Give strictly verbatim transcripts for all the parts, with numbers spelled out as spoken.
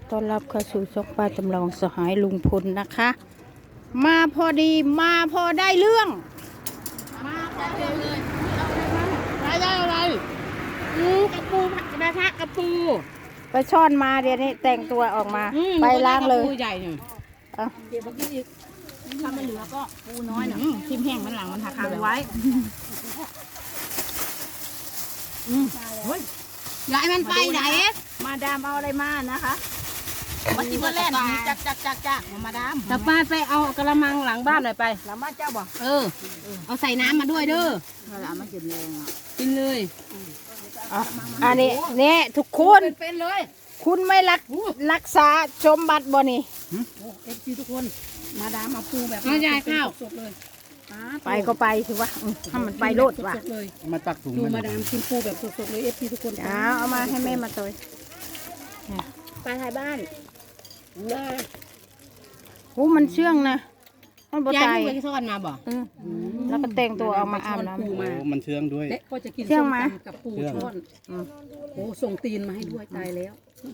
ต้อนรับเข้าสู่ช่องป้าจำลองสหายลุงพลนะคะ มาพอดีมาพอได้เรื่องมาพอดีเลยได้ได้อะไรอือกระปูกระทะกระปูไปช่อนมาเดี๋ยวนี้แต่งตัวออกมาไปล้างเลยใหญ่หนึ่งเดี๋ยวเมื่อกี้อีกถ้ามันเหลือก็ปูน้อยหน่อยทิมแห้งมันหลังมันหักคาไว้อืมเฮ้ยยายมันไปไหนมาดามเอาอะไรมานะคะมาที่บ้านแรกจักจักจักจักมาดามแต่ป้าไปเอากระมังหลังบ้านหน่อยไปหลังบ้านเจ้าบอกเออเอาใส่น้ำมาด้วยเด้อเวลามันกินแรงอ่ะกินเลยอันนี้เนี่ยทุกคนเป็นเลยคุณไม่รักรักษาสมบัติบ่นี่เอฟซีทุกคนมาดามเอาปูแบบน้ำยาข้าวสดเลยไปก็ไปถือว่าถ้ามันไปโลดว่ะมาตักถุงดูมาดามกินปูแบบสดๆเลยเอฟซีทุกคนเอาเอามาให้แม่มาตัวปลาไทยบ้านโอ้มันเชื่องนะมันบ่ตายยายไปซ่อนมาบ่แล้วก็แต่งตัวเอามาอาบน้ำโอ้มันเชื่องด้วยและก็จะกินส้มตำกับปูช้อนโอ้ส่งตีนมาให้ด้วยตายแล้ว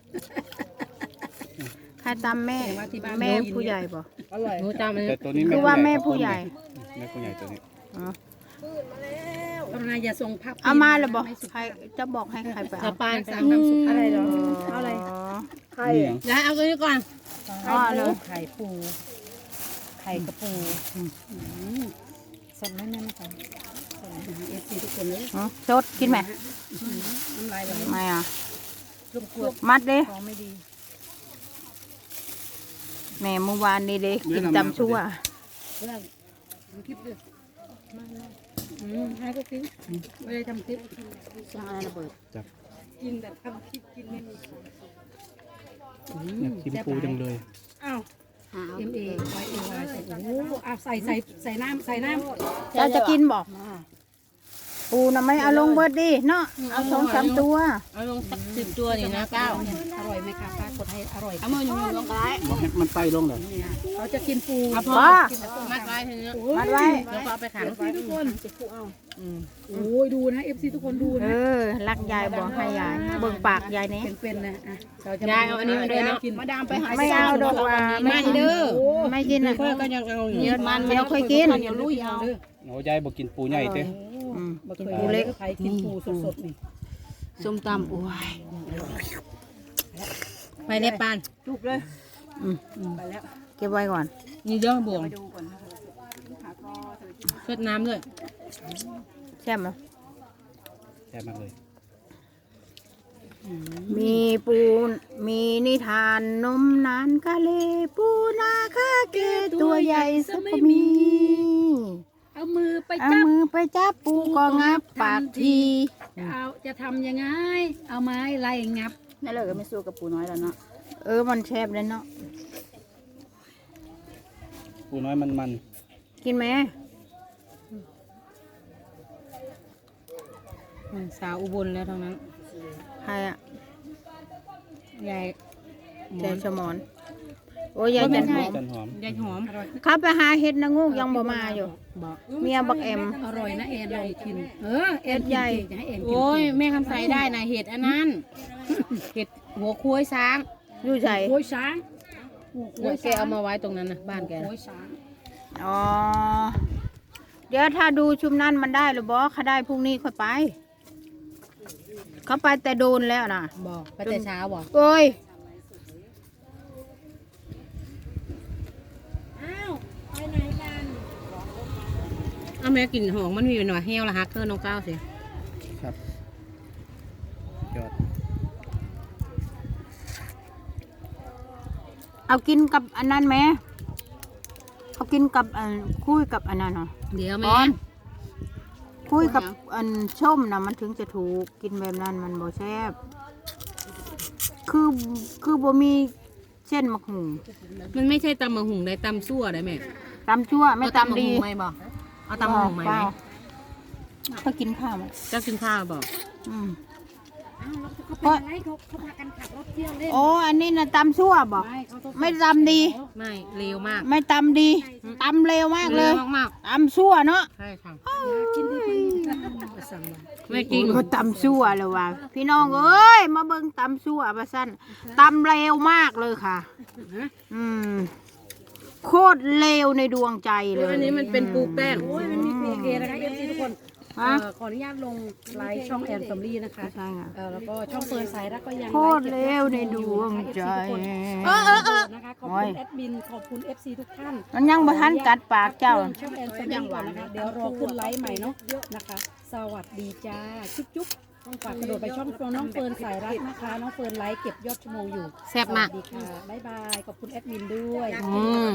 ใครตามแม่แม่ผู้ใหญ่บ่อร่อยแต่ตัวนี้คือว่าแม่ผู้ใหญ่แม่ผู้ใหญ่ตัวนี้อ๋อปรนายอย่าส่งภาพเอามาเลยบอกใครจะบอกให้ใครไปเอาปลาสามน้ำซุปอะไรหรอเอาอะไรไข่ยายเอาตัวนี้ก่อนอ๋อเลยไข่ปูไข่กระปูสดแน่ๆนะคะเอฟซีทุกคนเลยสดกินไหมน้ำลายไหลไม่อ่ะมัดเลยแม่เมื่อวานนี้เด็กกินตำชั่วคลิปด้วยอืมให้ก็กินไม่ได้ทำคลิปสร้างอะไรระเบิดจับกินแบบทำคลิปกินไม่มีอยากกินปูจังเลยอ้าวเอ็มเอไว้เอวายใส่โอ้เอาใส่ใส่ใส่น้ำใส่น้ำเราจะกินบอกปูน่ะไม่เอาลงเบิดดิเนาะเอาสองสามตัวเอาลงสักสิบตัวนี่นะเก้าอร่อยไหมคะป้ากดให้อร่อยเอามืออยู่ลงไปบอกให้มันไต่ลงเลยเขาจะกินปูพอมัดไว้ทีนี้มัดไว้แล้วก็เอาไปขังทุกคนจะปูเอาโอ้ยดูนะเอฟซีทุกคนดูนะเออรักยายบอกให้ยายเบิ่งปากยายนี่เป็นๆนะอ่ะยายเอาอันนี้มาด้วยเนาะมาดามไปหาไม่เอาดอกว่าไม่เด้อไม่กินอ่ะก็ยังเอาอยู่มันไม่เคยกินเดี๋ยวลุยเอาโอ้ยายบอกกินปูใหญ่เต้ปูเล็กใครกินปูสดๆนี่ส้มตำโอ้ยไปเล็บปานจุกเลยไปแล้วเก็บไว้ก่อนนี่เยอะบวงเช็ดน้ำด้วยแซ่บไหมแซ่บมากเลยมีปูมีนิทานนมนานกะเลปูนาคาเกตัวใหญ่สักมีเอามือไปจับเอามือไปจับปูก็งับปากทีเอาจะทำยังไงเอาไม้ไล่งับนั่นเลยก็ไม่สู้กับปูน้อยแล้วเนาะเออมันแซ่บเลยเนาะปูน้อยมันมันกินไหมสาวอุบลแล้วทั้งนั้นใครอ่ะยายยายสมอนโอ้ยยายจันหอมยายหอมขับไปหาเห็ดนางงูยังบ่มาอยู่เมียบักแอมอร่อยนะเอ็นลองกินเออเอ็ดใหญ่โอ้ยแม่คำใสได้นะเห็ดอันนั้นเห็ดหัวคุ้ยช้างอยู่ใจคุ้ยช้างแกเอามาไว้ตรงนั้นนะบ้านแกคุ้ยช้างอ๋อเดี๋ยวถ้าดูชุมนั้นมันได้หรือบ่เขาได้พรุ่งนี้ค่อยไปเขาไปแต่โดนแล้วนะบอกไปแต่เช้าบอกโอ้ยอ้าวไปไหนกันเอาแม่กลิ่นหอมมันมีหน่อยแห้วละฮักเกอร์น้องก้าวสิครับยอดเอากินกับอันนั้นไหมเอากินกับอันคุยกับอันนั้นเนาะเดี๋ยวแม่คุยกับอันส้มนะมันถึงจะถูกกินแบบนั้นมันบ่แซ่บคือคือบ่มีเส้นมะหุงมันไม่ใช่ตำมะหุงได้ตำซั่วได้ไหมตำชั่วไม่ตำดีไม่บอกเอาตำมะหุงไหมเขากินข้าวมั้ยก็กินข้าวบอกอืมเพราะเขาเขาพากันขับรถเที่ยวเล่นโอ้อันนี้นะตำชั่วบอกไม่ตำดีไม่เร็วมากไม่ตำดีตำเร็วมากเลยมากตำชั่วเนาะใช่ค่ะกินดีสั่งมาไม่จริงก็ตำซั่วเลยว่ะพี่น้องเอ้ยมาเบิ่งตำซั่วประสั้นตำเร็วมากเลยค่ะ อืมโคตรเลวในดวงใจเลยอันนี้มันเป็นปูแป้งโอ้ยมันมีเพจนะคะเอฟซีทุกคนฮะเอ่อขออนุญาตลงไลฟ์ช่องแอนซัมลี่นะคะใช่ค่ะเออแล้วก็ช่องเฟิร์นสายรักก็ยังโคตรเลวในดวงใจเออเออเออนะคะขอบคุณแอดมินขอบคุณ เอฟ ซี ทุกท่านมันยังบ่ทันกัดปากเจ้าช่องแอนซัมลี่ก่อนนะคะเดี๋ยวรอขึ้นไลฟ์ใหม่เนาะนะคะ สวัสดีจ้าจุ๊บจุ๊บต้องฝากกระโดดไปช่องน้องเฟิร์นสายรักนะคะน้องเฟิร์นไลฟ์เก็บยอดชั่วโมงอยู่แซ่บมากสวัสดีค่ะบ๊ายบายขอบคุณแอดมินด้วยอืม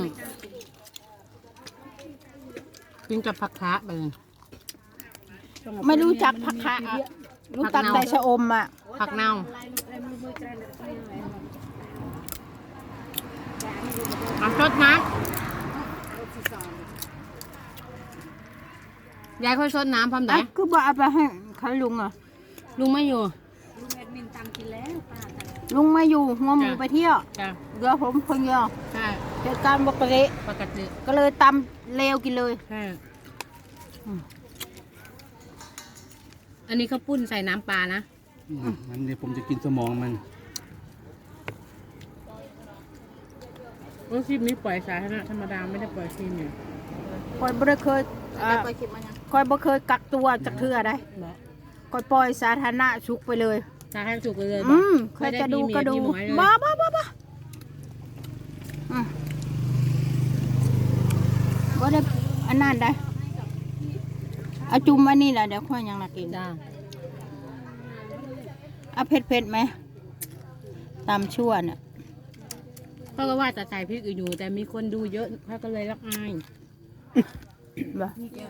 กินกับผักคะไปเลยไม่รู้จักผักคะอะรู้จักแต่ชะอมอ่ะผักเน่าเอาชดน้ำยายค่อยชดน้ำพร้อมไหนอ่ะคือบ่เอาไปให้เขาลุงอ่ะลุงไม่อยู่ลุงไม่อยู่หัวหมูจ้ะไปเที่ยวจ้ะเดี๋ยวผมคนเดียวใช่เหตุการณ์ปกติปกติก็เลยตำเลวกินเลยใช่อันนี้ข้าวปุ้นใส่น้ำปลานะอืมมันเดี๋ยวผมจะกินสมองมันโอ้คลิปนี้ปล่อยสาธารณะธรรมดาไม่ได้ปล่อยคลิปเนี่ยคอยบ่ได้เคยอ่าคอยบ่เคยกักตัวจากเทื่อได้คอยปล่อยสาธารณะชุกไปเลยสาธารณสุขเลยอืมใครไม่ได้จะดูมีเมียก็ดูมีหมวยเลยบ้าบ้าบ้าบ้าอืมบ่ได้อันนั้นได้เอาจุ่มอันนี้แหละเดี๋ยวค่อยยังน่ากินจ้าเอาเผ็ดเผ็ดๆไหมตามชั่วเนี่ยเขาก็ว่าจะใส่พริกอยู่แต่มีคนดูเยอะเขาก็เลยรักอายบ่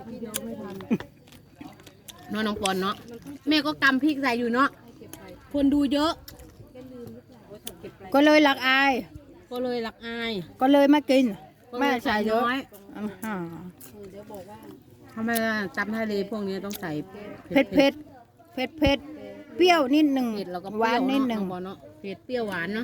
เนาะน้องปอนเนาะแม่ก็กำพริกใส่อยู่เนาะคนดูเยอะก็เลยหลักอายก็เลยรักอายก็เลยไม่กินก็เลไม่ยใส่เยอะน้อยอ่าฮะทำไมจำทะเลพวกนี้ต้องใส่เผ็ดเผ็ดเผ็ดเผ็ดเปรี้ยวนิดหนึ่งเผ็ดแล้วก็หเปรี้วาย นวนิดหนึ่งเนาะน้องปอนเนาะเผ็ดเปรี้ยวหวานเนาะ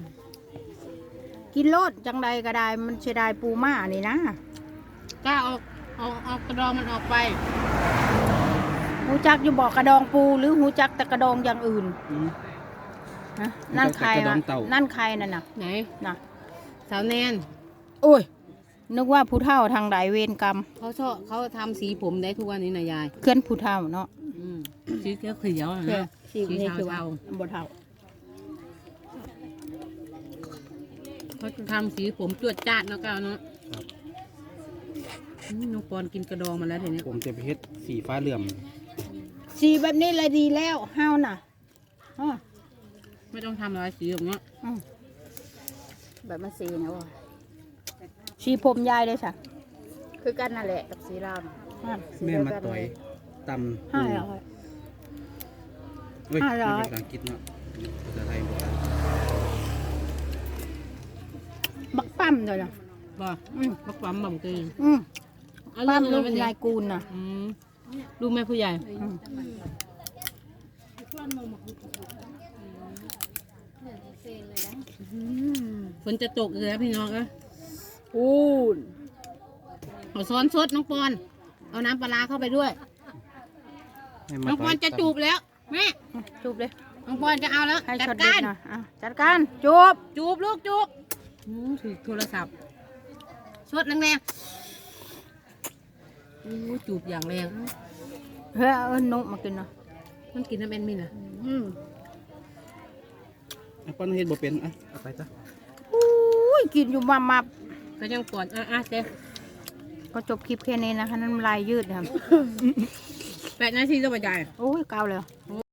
กินโลดจังใดก็ได้มันเสียดายปูม่านี่นะกล้าเอาเอาเอากระดองมันออกไปหูจักอยู่บอกกระดองปูหรือหูจักแต่กระดองอย่างอื่นอืมนะนั่นใครกระดอวะงเต่านั่นใครนั่นน่ะไหนน่ะสาวแนนโอ้ยนึกว่าผู้เฒ่าทางใดเวรกรรมเขาชอบเขาทำสีผมได้ทุกวันนี้นะยายเคลื่อนผู้เฒ่าเนาะอืมสีเขียวเขียวๆนะเออนะสีนี่คือว่าเทาบ่เฒ่าเขาจะทำสีผมจวดจ้าดเนาะก้าวเนาะครับอืมน้องปอนกินกระดองมาแล้วเดี๋ยวนี้ผมจะไปเฮ็ดสีฟ้าเหลื่อมสีแบบนี้เลยดีแล้วเฮาน่ะอ้อไม่ต้องทำอะไรสีแบบเนี้ยอืมแบบมันสีนะว่ะสีผมยายเลยจ้ะคือกันนั่นแหละกับสีรามอ่ะแม่มาต่อยตำห้าร้อยเฮ้ยห้าร้อยภาษาอังกฤษเนาะภาษาไทยบอกบักปั้มเลยนะบ่อืมบักปั๊มบ่มกีอืมเอาปั้มเรื่ลูองกอะไรนายกูลน่ะอืมลูกแม่ผู้ใหญ่อืมฝนจะตกเลยแล้วพี่น้องเอ้ยอูนเอาซ้อนสดน้องปอน เอาน้ำปลาร้าเข้าไปด้วยให้มาน้องปอนจะจูบแล้วแม่จูบเลยน้องปอนจะเอาแล้วให้จัดช็อตเด็กาดรนะอ่ะจัดการจูบจูบลูกจูบอืมถือโทรศัพท์สดแรงๆอู้จูบอย่างแรงเฮ้ยเอานกมากินเนาะมันกินน้ำเอ็นมินอ่ะอืมอ่ะป้อนเฮ็ดบ่เป็นอ่ะเอาไปจ้ะอุ้ยกินอยู่มามาก็ยังปอนอ่ะอ่ะเจ๊ก็จบคลิปแค่นี้นะคะน้ำลายยืดครับแปดนาทีจะบรรยายโอ้ยเกาเลย